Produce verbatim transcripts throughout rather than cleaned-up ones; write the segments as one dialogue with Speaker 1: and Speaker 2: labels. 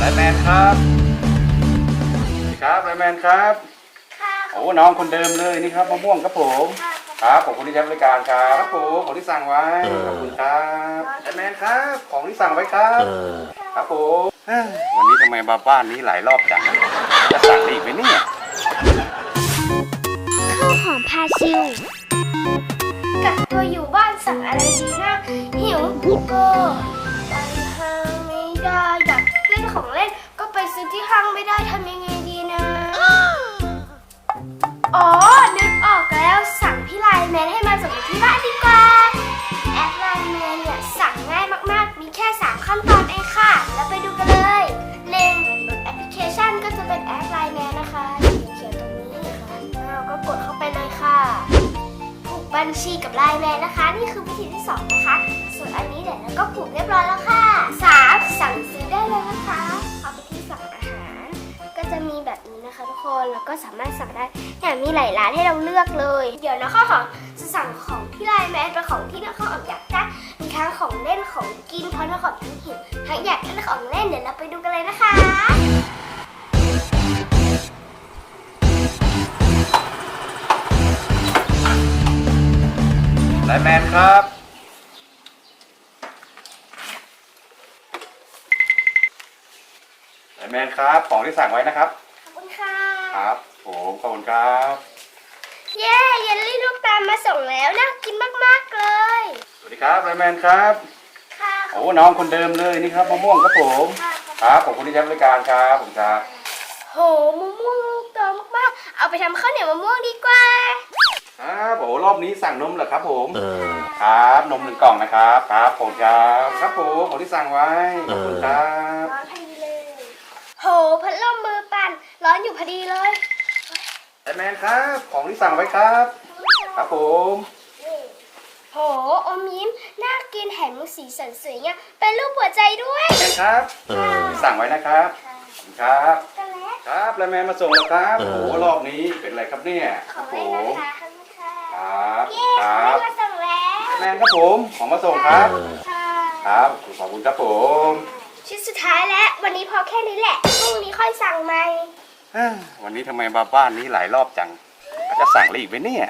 Speaker 1: แมนครับครับไลแมนครับโอ้น้องคนเดิมเลยนี่ครับมะม่วงครับผมครับขอบคุณที่ใช้บริการครับครับผมของที่สั่งไว้ขอบคุณครับไลแมนครับของที่สั่งไว้ครับครับผมวันนี้ทำไมมาบ้านนี้หลายรอบจังจะสั่งได้อีกไหมเนี่ย
Speaker 2: ข้าวหอมพาชิวกักตัวอยู่บ้านสั่งอะไรดีนะหิวก็ไปห้างไม่ได้อยากเล่นของเล่นก็ไปซื้อที่ห้างไม่ได้ทำยังไงดีนะอ๋อนึกออกแล้วสั่งพี่ไลน์แมนให้มาส่งที่บ้านดีกว่าแอปไลน์แมนเนี่ยสั่งง่ายมากๆมีแค่สามขั้นตอนเองค่ะแล้วไปดูกันเลยหนึ่งโหลดแอปพลิเคชันก็จะเป็นแอปไลน์แมนนะคะเขียนตรงนี้นะคะแล้วก็กดเข้าไปเลยค่ะผูกบัญชีกับไลน์แมนนะคะนี่คือวิธีที่สองนะคะส่วนอันนี้เดี๋ยวเราก็ผูกเรียบร้อยแล้วค่ะสามสั่งซื้อได้เลยนะคะเอาไปที่สั่งอาหารก็จะมีแบบนี้นะคะทุกคนแล้วก็สามารถสั่งได้เนี่ยมีหลายร้านให้เราเลือกเลยเดี๋ยวนะข้าวหอมจะสั่งของที่ไลน์แมนเป็นของที่น้องข้าวหอมอยากได้มีทั้งของเล่นของกินเพราะน้องข้าวหอมทั้งหิวทั้งอยากเล่นของเล่นเดี๋ยวเราไปดูกันเลยนะคะ
Speaker 1: ไลแมนครับไลแมนครับของที่สั่งไว้นะครับ
Speaker 2: ขอบคุณค่ะ
Speaker 1: ครับผมขอบคุณครับ
Speaker 2: เย้เยลลี่ลูกตาลมาส่งแล้วน่ากินมากๆเลย
Speaker 1: สวัสดีครับไลแมนครับ
Speaker 2: ค่ะ
Speaker 1: โอ้น้องคนเดิมเลยนี่ครับมะม่วงครับผมครับขอบคุณที่ใช้บริการครับผมครับ
Speaker 2: โหมะม่วงลูกโตมากๆเอาไปทำข้าวเหนียวมะม่วงดีกว่า
Speaker 1: ครับโอ้รอบนี้สั่งนมเหรอครับผมครับนมหนึ่งกล่องนะครับครับผมครับครับผมของที่สั่งไว้ขอบคุณครับ
Speaker 2: ร้อนพอดีเลยโหพัดลมมือปั่นร้อนอยู่พอดีเลย
Speaker 1: ไลแมนครับของที่สั่งไว้ครับครับผม
Speaker 2: โหอมยิ้มน่ากินแถมมีสีสันสวยเนี่ยเป็นรูปหัวใจด้วย
Speaker 1: ไลแมนครับสั่งไว้นะครับครับครับไลแมนมาส่งแล้วครับโอ้รอบนี้เป็นอะไรครับเนี่ย
Speaker 2: ครับ
Speaker 1: ผมครับ
Speaker 2: เย้ของมาส่งแล้ว
Speaker 1: ไลแมนครับผมของมาส่งครับครับขอบคุณครับผม
Speaker 2: ชิ้นสุดท้ายแล้ววันนี้พอแค่นี้แหละพรุ่งนี้ค่อยสั่งใหม่
Speaker 1: วันนี้ทำไมมาบ้านนี้หลายรอบจังจะสั่งอะไรอีกไหมเนี่ย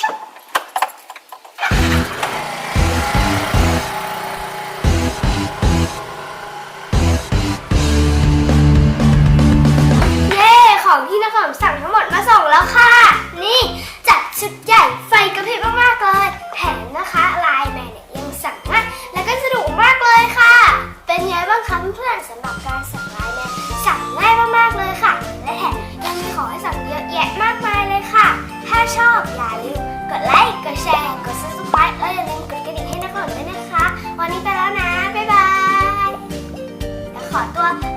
Speaker 2: ของที่นครสั่งทั้งหมดมาส่งแล้วค่ะนี่จัดชุดใหญ่ไฟกระพริบมากๆเลยแถมนะคะไลน์แมนเนี่ยยังสั่งง่ายแล้วก็สะดวกมากเลยค่ะเป็นไงบ้างคะเพื่อนๆสำหรับการสั่งไลน์แมนสั่งง่ายมากๆเลยค่ะและแถมยังมีของให้สั่งเยอะแยะมากมายเลยค่ะถ้าชอบอย่าลืมกดไลค์กดแชร์กด ซับสไครบ์ แล้วอย่าลืมกดกระดิ่งให้นครด้วยนะคะวันนี้ไปแล้วนะบ๊ายบายแล้วขอตัว